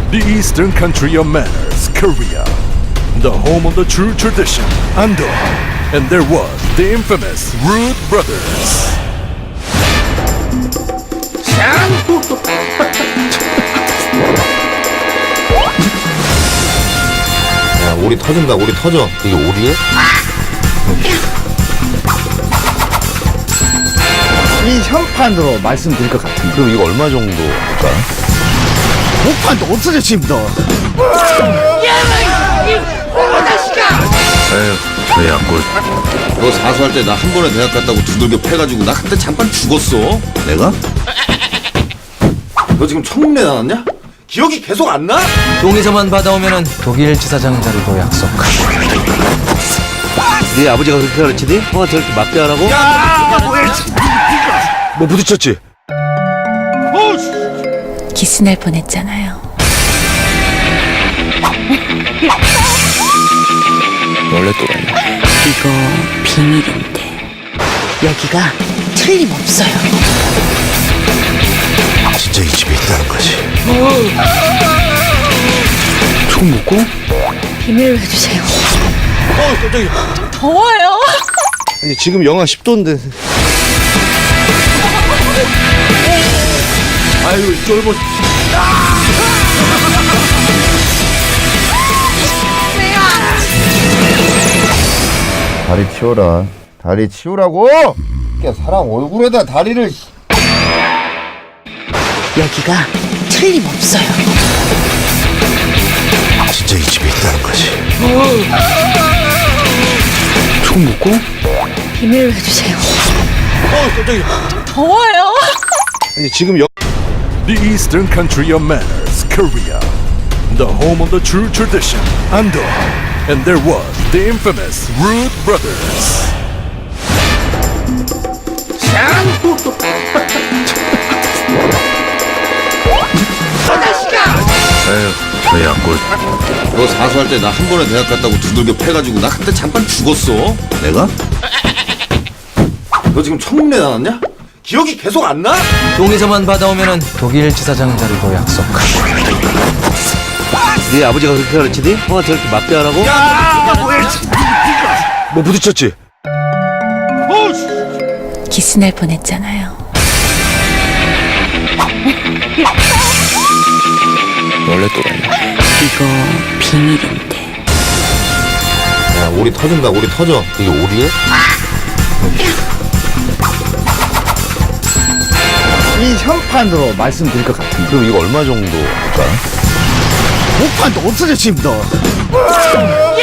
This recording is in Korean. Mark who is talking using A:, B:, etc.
A: The eastern country of manners, Korea. The home of the true tradition, Ando. And there was the infamous Rude Brothers.
B: 야, 오리 터진다, 오리 터져. 이게 오리야?
C: 이 현판으로 말씀드릴 것 같은데
B: 그럼 이거 얼마 정도 할까?
C: 목판도 없어져 지금도.
B: 에휴, 왜 약골. 너 사수할 때 나 한 번에 대학 갔다고 두들겨 패가지고 나 그때 잠깐 죽었어. 내가? 너 지금 청문회 나왔냐? 기억이 계속 안 나?
D: 동의서만 받아오면은 독일 지사장 자리도 약속하고.
B: 네 아버지가 그렇게 가르치니? 형한테 저렇게 맞게 하라고? 뭐 부딪혔지?
E: 기스날 뻔했잖아요.
D: 원래 또라이야.
E: 이거 비밀인데 여기가 틀림없어요.
B: 진짜 이 집에 있다는 거지.
D: 총 먹고?
E: 비밀로 해주세요.
B: 깜짝이야.
E: 더워요.
B: 아니, 지금 영하 10도인데. 아유, 쫄보. 다리 치워라. 다리 치우라고! 야, 사람 얼굴에다 다리를.
E: 여기가 틀림없어요.
B: 진짜 이 집에 있다는 거지.
D: 총 먹고?
E: 비밀로 해주세요.
B: 깜짝이야.
E: 더워요.
B: 아니, 지금
A: The eastern country of manners, Korea. The home of the true tradition, Ando. And there was the infamous Rude Brothers.
B: 에휴, 왜 약골. 너 사수할 때 나 한 번에 대학 갔다고 두들겨 패가지고 나 그때 잠깐 죽었어. 내가? 너 지금 청문회 나왔냐? 기억이 계속 안 나?
D: 동의서만 받아오면은 독일 지사장 자리도 약속하고.
B: 네 아버지가 그렇게 가르치니? 형한테 저렇게 맞게 하라고? 뭐 부딪혔지?
E: 기스날 뻔했잖아요.
D: 원래 또라이야.
E: 이거 비밀인데
B: 야, 오리 터진다, 오리 터져. 이게 오리야?
C: 이 현판으로 말씀드릴 것 같은데
B: 그럼 이거 얼마 정도 할까?
C: 목판도 없어져 지금도.